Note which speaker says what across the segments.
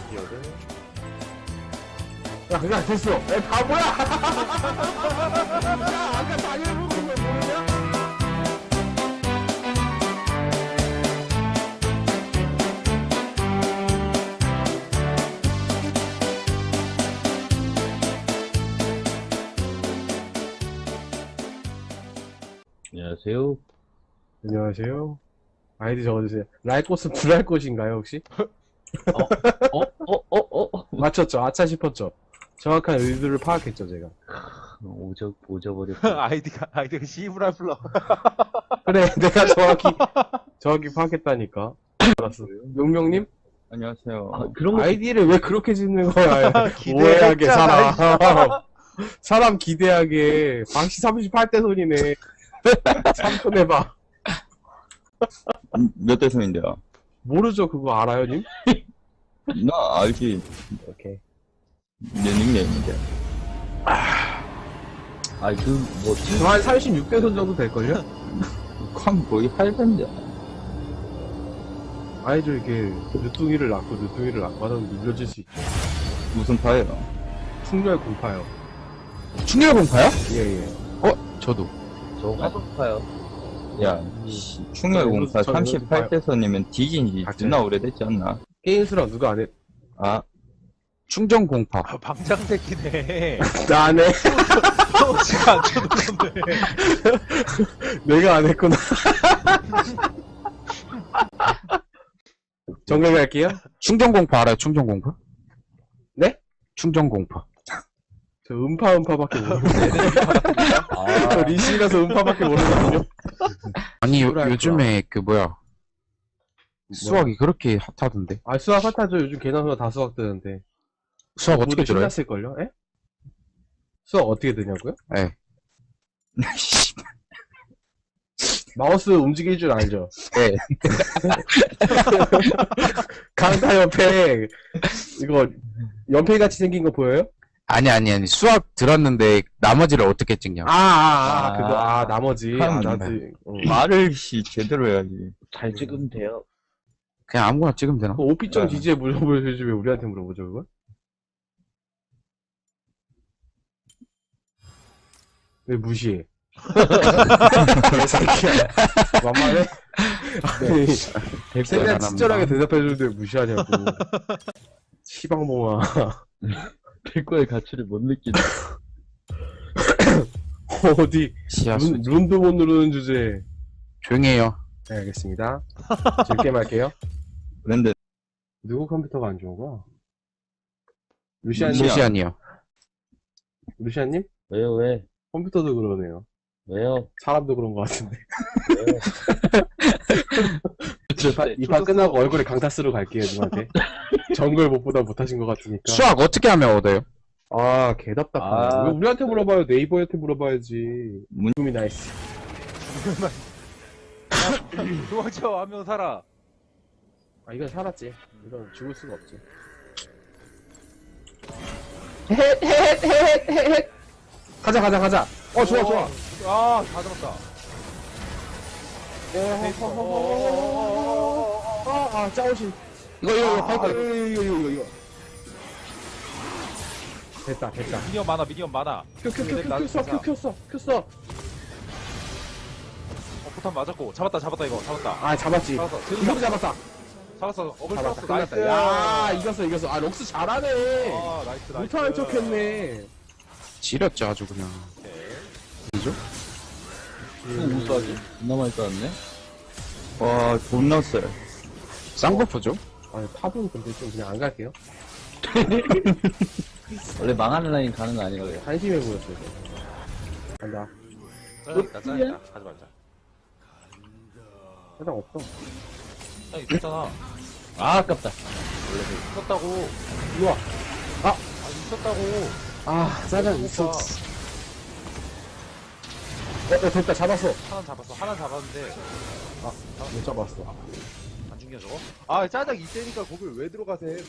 Speaker 1: 야, 그냥 됐어. 야, 바보야! 야, 아까 당해보는 거 모르냐?
Speaker 2: 안녕하세요.
Speaker 1: 안녕하세요. 아이디 적어주세요. 라이코스 불알 꽃인가요, 혹시? 맞췄죠? 아차 싶었죠? 정확한 의도를 파악했죠, 제가.
Speaker 2: 오져버렸어.
Speaker 3: 아이디가 씨브랄 플러.
Speaker 1: 그래, 내가 정확히 파악했다니까. 알았어. 용명님?
Speaker 2: 안녕하세요.
Speaker 3: 그런 거
Speaker 1: 아이디를 왜 그렇게 짓는 거야?
Speaker 3: 기대했잖아,
Speaker 1: 오해하게, 사람. 사람 기대하게. 방시 38대 손이네. 3분 해봐.
Speaker 2: 몇 대손인데요?
Speaker 1: 모르죠, 그거 알아요, 님?
Speaker 2: 나 알지.
Speaker 1: 오케이.
Speaker 2: 내 닉네임인데.
Speaker 1: 한 36대 손 정도 될걸요?
Speaker 2: 쾅 거의 할배인데.
Speaker 1: 아이들 이렇게 늦둥이를 낳고 하면 눌려질 수 있죠.
Speaker 2: 무슨 파예요?
Speaker 1: 충렬 공파요.
Speaker 4: 충렬 공파요?
Speaker 1: 예.
Speaker 4: 저도.
Speaker 3: 저 화성파요.
Speaker 2: 야, 충혈공사
Speaker 1: 저
Speaker 2: 38대손이면 뒤진지 존나 오래됐지 않나?
Speaker 1: 게임수랑 누가 안 해?
Speaker 2: 아,
Speaker 4: 충전 공파.
Speaker 3: 방장 새끼네.
Speaker 1: 나 안 해.
Speaker 3: 지가 안 쳐놓는데.
Speaker 1: 내가 안 했구나. 정글 갈게요.
Speaker 4: 충전 공파 알아요? 충전 공파?
Speaker 1: 네?
Speaker 4: 충전 공파.
Speaker 1: 저 음파밖에 모르는데. 저 리시라서 음파밖에 모르거든요.
Speaker 4: 아니
Speaker 1: 뭐랄까.
Speaker 4: 요즘에 수학이 그렇게 핫하던데.
Speaker 1: 아, 수학 핫하죠. 요즘 개나 다 수학 뜨는데.
Speaker 4: 수학 어떻게 들어요?
Speaker 1: 신났을걸요? 에? 수학 어떻게 되냐고요?
Speaker 4: 예.
Speaker 1: 마우스 움직일 줄 알죠?
Speaker 4: 네.
Speaker 1: 강타 연패. 이거 연패같이 생긴 거 보여요?
Speaker 4: 아니 수학 들었는데 나머지를 어떻게 찍냐.
Speaker 1: 나머지.
Speaker 2: 말을 제대로 해야지.
Speaker 3: 잘 찍으면 돼요.
Speaker 4: 그냥 아무거나 찍으면 되나?
Speaker 1: 오피점 지지에 물어보여주지 왜 우리한테 물어보죠, 그걸? 왜 무시해? 개새끼야. 만만해? 아니, 생각 친절하게 대답해주는데 왜 무시하냐고. 시방봉아.
Speaker 3: 백과의 가치를 못 느끼네.
Speaker 1: 어디,
Speaker 4: 시야수.
Speaker 1: 룬도 못 누르는 주제.
Speaker 4: 조용히 해요.
Speaker 1: 네, 알겠습니다. 즐게 말게요.
Speaker 2: 그런데,
Speaker 1: 누구 컴퓨터가 안 좋은 거야?
Speaker 2: 루시안.
Speaker 4: 루시안이요.
Speaker 1: 루시안님?
Speaker 3: 왜요, 왜?
Speaker 1: 컴퓨터도 그러네요.
Speaker 3: 왜요?
Speaker 1: 사람도 그런 것 같은데.
Speaker 3: 왜요?
Speaker 1: 이 판 끝나고 얼굴에 강타 쓰러 갈게요, 님한테. 정글 못보다 못하신 것 같으니까.
Speaker 4: 수학 어떻게 하면 얻어요?
Speaker 1: 아, 개답답하네. 왜 우리한테 물어봐요? 네이버한테 물어봐야지. 문금이 나이스.
Speaker 3: 도망쳐, 한 명 살아.
Speaker 1: 아, 이건 살았지. 이건 죽을 수가 없지. 가자. 좋아.
Speaker 3: 아, 다 잡았다.
Speaker 1: 짜오신.
Speaker 4: 이거
Speaker 1: 이거. 됐다.
Speaker 3: 미니언 많아.
Speaker 1: 켰어.
Speaker 3: 포탄 맞았고. 잡았다, 이거. 잡았다.
Speaker 1: 아, 잡았지.
Speaker 3: 잡았어.
Speaker 1: 이거 잡았다.
Speaker 3: 잡았어. 어글
Speaker 1: 잡았다.
Speaker 3: 플러스, 나이스.
Speaker 1: 끝났다. 야, 이겼어. 아, 록스 잘하네.
Speaker 3: 아, 나이스.
Speaker 1: 못하는 척 했네.
Speaker 4: 지렸죠 아주 그냥.
Speaker 3: 우수하지? 존나 많이 따왔네.
Speaker 2: 와, 존나 쎄.
Speaker 4: 쌍버프죠?
Speaker 1: 아, 탑은 근데 좀 그냥 안 갈게요.
Speaker 3: 원래 망하는 라인 가는 거 아니에요?
Speaker 1: 한심해 보였어요. 간다.
Speaker 3: 짜증나. 가지 말자.
Speaker 1: 해당 없어.
Speaker 3: 있었잖아.
Speaker 4: 아 아깝다.
Speaker 3: 원래 있었다고.
Speaker 1: 우와.
Speaker 3: 있었다고.
Speaker 1: 아, 짜장 있어. 됐다. 잡았어.
Speaker 3: 하나 잡았는데.
Speaker 1: 못 잡았어.
Speaker 3: 안 죽냐, 저거? 아, 짜장 이때니까 거길 왜 들어가세?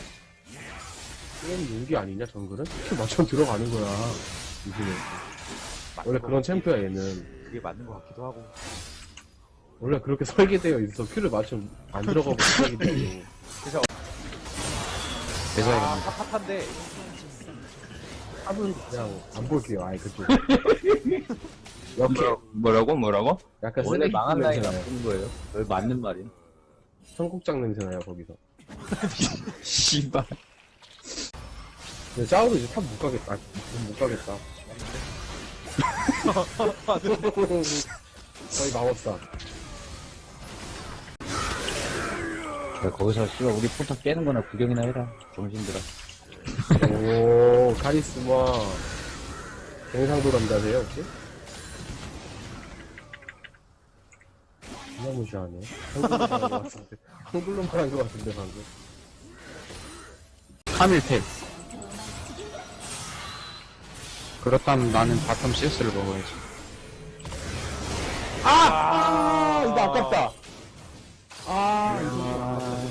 Speaker 1: 이건 용기 아니냐, 정글은? 키 맞춰 들어가는 거야. 이제는. 원래 그런 챔프야, 얘는.
Speaker 3: 그게 맞는 것 같기도 하고.
Speaker 1: 원래 그렇게 설계되어 있어. 큐를 맞추면 안 들어가고 시작이 되고.
Speaker 3: 그래서
Speaker 4: 대사야겠네.
Speaker 3: 핫한데.
Speaker 1: 탑은 그냥 안 볼게요. 아예 그쪽. 이렇게
Speaker 2: 뭐라고?
Speaker 1: 약간
Speaker 5: 원래
Speaker 1: 쓰레기
Speaker 5: 망한
Speaker 1: 냄새
Speaker 5: 나이
Speaker 1: 나요.
Speaker 5: 나쁜 거예요. 왜 맞는 말이야?
Speaker 1: 청국장 냄새 나요 거기서.
Speaker 2: 씨발.
Speaker 1: 근데 짜오도 이제 탑 못 가겠다. 못 가겠다. 거의 마법사.
Speaker 5: 야, 거기서 씨발 우리 포탑 깨는 거나 구경이나 해라. 정신들아.
Speaker 1: 오 카리스마. 경상도 남자세요 혹시? 진짜 무시하네. 한글로 말한 것 같은데. 한글로 말한 것 같은데 방금.
Speaker 4: 카밀 탭. 그렇다면 나는 바텀 CS를 먹어야지.
Speaker 1: 이거 아깝다. 이거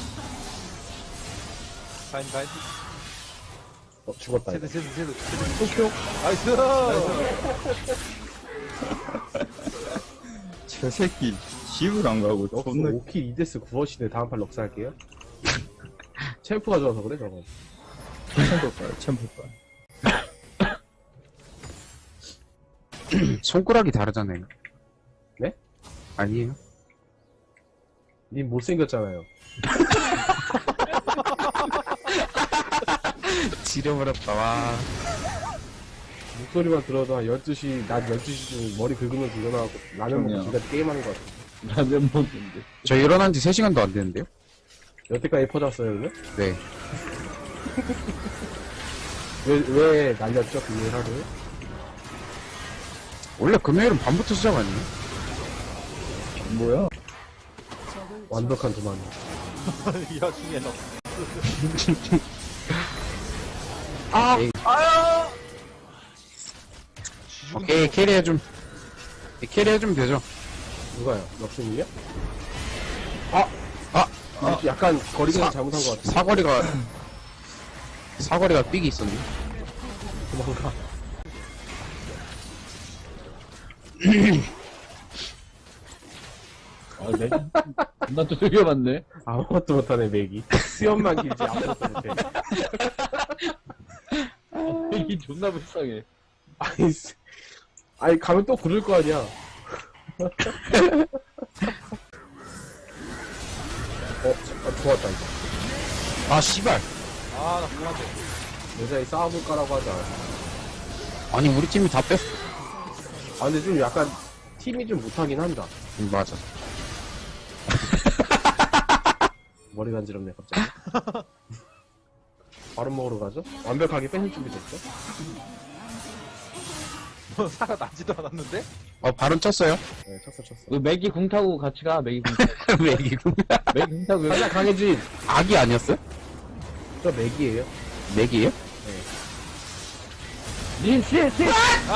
Speaker 3: 가인.
Speaker 1: 죽었다. 이거.
Speaker 3: 제드.
Speaker 1: 도쿄.
Speaker 3: 나이스!
Speaker 2: 저 새끼 집을 안 가고
Speaker 1: 럭스
Speaker 2: 존나
Speaker 1: 5킬 2데스 9어시네. 다음 판 럭스 할게요. 챔프가 좋아서 그래 저건.
Speaker 2: 챔프가.
Speaker 4: 손가락이 다르잖아요.
Speaker 1: 네?
Speaker 4: 아니에요.
Speaker 1: 님 못생겼잖아요.
Speaker 4: 지려버렸다, 와.
Speaker 1: 목소리만 들어도 한 12시, 낮 12시쯤 머리 긁으면서 일어나고 라면 먹고
Speaker 5: 그럼요.
Speaker 1: 지금까지 게임하는 것 같아.
Speaker 5: 라면 먹는데.
Speaker 4: 저 일어난 지 3시간도 안 됐는데요?
Speaker 1: 여태까지 퍼졌어요, 그러면?
Speaker 4: 네.
Speaker 1: 왜 날렸죠, 금요일 하루에?
Speaker 4: 원래 금요일은 밤부터 시작 아니에요?
Speaker 5: 뭐야?
Speaker 1: 완벽한 도망이.
Speaker 3: 이 와중에 너.
Speaker 4: 오케이, 캐리해좀. 캐리해주면 되죠.
Speaker 1: 누가요? 럭스님이요?
Speaker 4: 아!
Speaker 1: 약간 거리가 잘못한 것 같아.
Speaker 4: 사거리가 삑이 있었네.
Speaker 1: 도망가.
Speaker 5: 아, 내, 나또 되게 맞네.
Speaker 1: 아무것도 못하네, 맥이. 수염만 길지 아무것도 못해.
Speaker 5: 이게 존나 불쌍해.
Speaker 1: 아니, 가면 또 구를 거 아니야. 좋았다, 이거.
Speaker 4: 아, 씨발.
Speaker 3: 나 그만해.
Speaker 1: 여자애 싸워볼까라고 하자.
Speaker 4: 아니, 우리 팀이 다 뺐어.
Speaker 1: 근데 좀 약간, 팀이 좀 못하긴 한다.
Speaker 4: 맞아.
Speaker 1: 머리 간지럽네, 갑자기. 바로 먹으러 가죠? 완벽하게 뺏을 준비 됐죠?
Speaker 3: 뭐 사가 나지도 않았는데?
Speaker 4: 발은 쳤어요?
Speaker 1: 네, 쳤어.
Speaker 5: 너 맥이 궁 타고 같이 가, 맥이 궁 타고.
Speaker 4: 맥이고.
Speaker 5: 맥이 궁 타고.
Speaker 1: 가자, 강혜진!
Speaker 4: 악이 아니었어요?
Speaker 1: 저 맥이에요.
Speaker 4: 맥이에요?
Speaker 5: 님, 씨!
Speaker 4: 뺏겼어.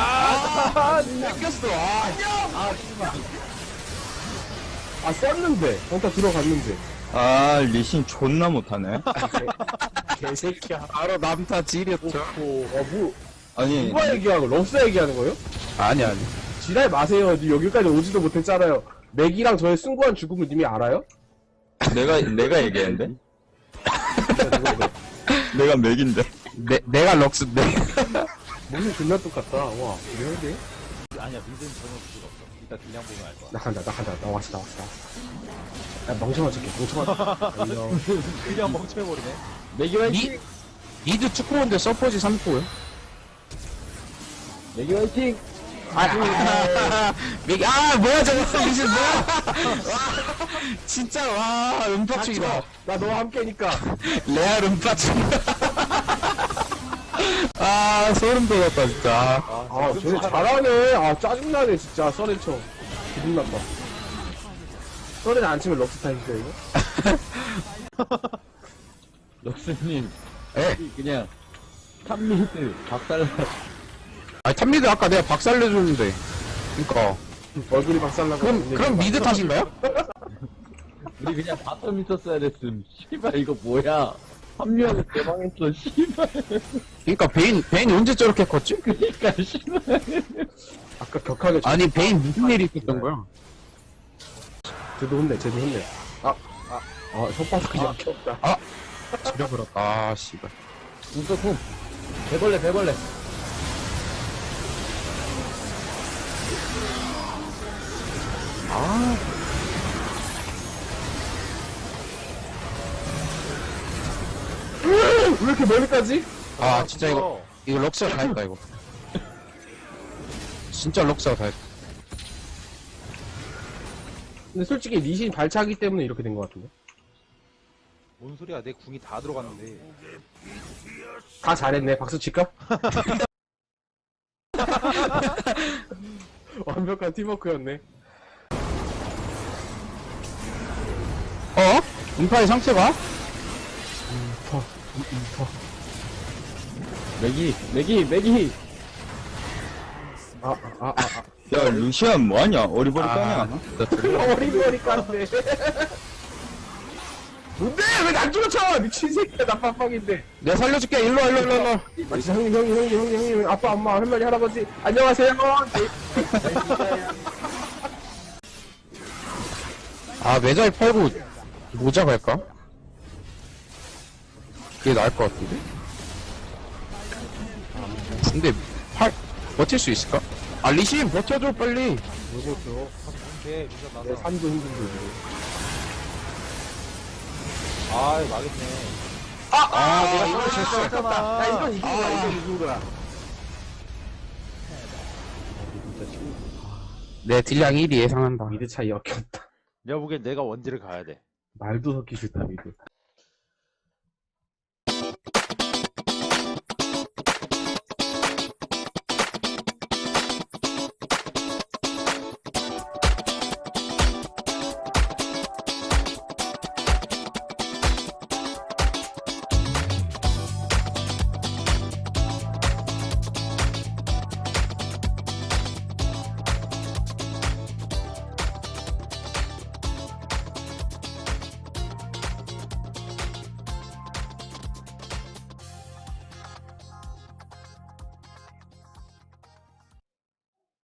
Speaker 1: 썼는데! 일단 들어갔는데.
Speaker 2: 리신 존나 못하네.
Speaker 1: 개새끼야.
Speaker 4: 바로 남타 지렸죠.
Speaker 2: 아니,
Speaker 1: 누가 얘기하고, 럭스 얘기하는 거예요?
Speaker 4: 아니.
Speaker 1: 지랄 마세요. 니 여기까지 오지도 못했잖아요. 맥이랑 저의 숭고한 죽음을 님이 알아요?
Speaker 2: 내가 얘기했는데? 내가 맥인데.
Speaker 4: 내가 럭스인데.
Speaker 1: 몸이 존나 똑같다. 와, 이런데?
Speaker 3: 아니야, 믿음 전혀 필요 없어. 이따 그냥 보면 알 거야.
Speaker 1: 나 간다. 나 왔어. 야, 멍청한 새끼, 안녕.
Speaker 3: 그냥 멍청해버리네.
Speaker 5: 맥이 화이팅!
Speaker 4: 니드 축구인데 서포지 3포요?
Speaker 5: 맥이 화이팅!
Speaker 4: 맥이, 뭐야, 저거. 리신 뭐야. 와, 진짜, 와, 음파충이다.
Speaker 1: 나 너와 함께니까.
Speaker 4: 레알 음파충이다. 소름 돋았다, 진짜.
Speaker 1: 쟤네 잘하네. 짜증나네, 진짜. 썰렌쳐. 기분 나빠. 썰렌 안 치면 럭스 타임이죠, 이거?
Speaker 5: 럭스님.
Speaker 4: 에?
Speaker 5: 그냥, 탑미드, 박살.
Speaker 4: 탑미드 아까 내가 박살내줬는데. 그니까.
Speaker 1: 얼굴이 박살나고.
Speaker 4: 그럼 미드 탓인가요?
Speaker 5: 우리 그냥 바텀 있었어야 됐음. 씨발, 이거 뭐야. 합류하고 개망했어, 씨발.
Speaker 4: 그니까 베인이 언제 저렇게 컸지?
Speaker 5: 그니까, 씨발.
Speaker 1: 아까 격하게.
Speaker 4: 아니, 베인 무슨 일이 있었던 거야?
Speaker 1: 쟤도 혼내. 혓바닥이 약해 없다.
Speaker 4: 지려버렸다. 아, 씨발.
Speaker 5: 궁 써, 궁. 배벌레.
Speaker 1: 왜 이렇게 멀리까지?
Speaker 4: 아, 진짜 이거 럭스가 다 했다, 이거. 진짜 럭스가 다 했다.
Speaker 1: 근데 솔직히 리신 발차기 때문에 이렇게 된 것 같은데.
Speaker 3: 뭔 소리야? 내 궁이 다 들어갔는데.
Speaker 1: 다 잘했네. 박수 칠까? 완벽한 팀워크였네.
Speaker 4: 어? 음파의 상태가?
Speaker 5: 맥이.
Speaker 2: 야, 루시안 뭐하냐? 어리버리까냐?
Speaker 1: 어리버리 깐데. 뭔데? 왜 난 쫓아? 미친 새끼야. 나 빡빡인데.
Speaker 4: 내가 살려줄게. 일로 와.
Speaker 1: 마치 형님, 아빠, 엄마, 할머니, 할아버지. 안녕하세요.
Speaker 4: 아, 매달 팔고 모자 갈까? 그게 나을 것 같은데? 근데 버틸 수 있을까? 아, 리신 버텨줘 빨리.
Speaker 1: 뭐죠?
Speaker 3: 오케이, 미션 나서.
Speaker 1: 내 산도 힘든데. 지금.
Speaker 3: 아, 망했네.
Speaker 1: 내가 이걸
Speaker 3: 졌어.
Speaker 1: 나 이건 이긴 거야, 이건 이긴 거야.
Speaker 4: 내 딜량 1위 예상한다.
Speaker 1: 미드 차이 역겹다.
Speaker 3: 내가 보기엔 내가 원딜을 가야 돼.
Speaker 1: 말도 섞기 싫다, 미드.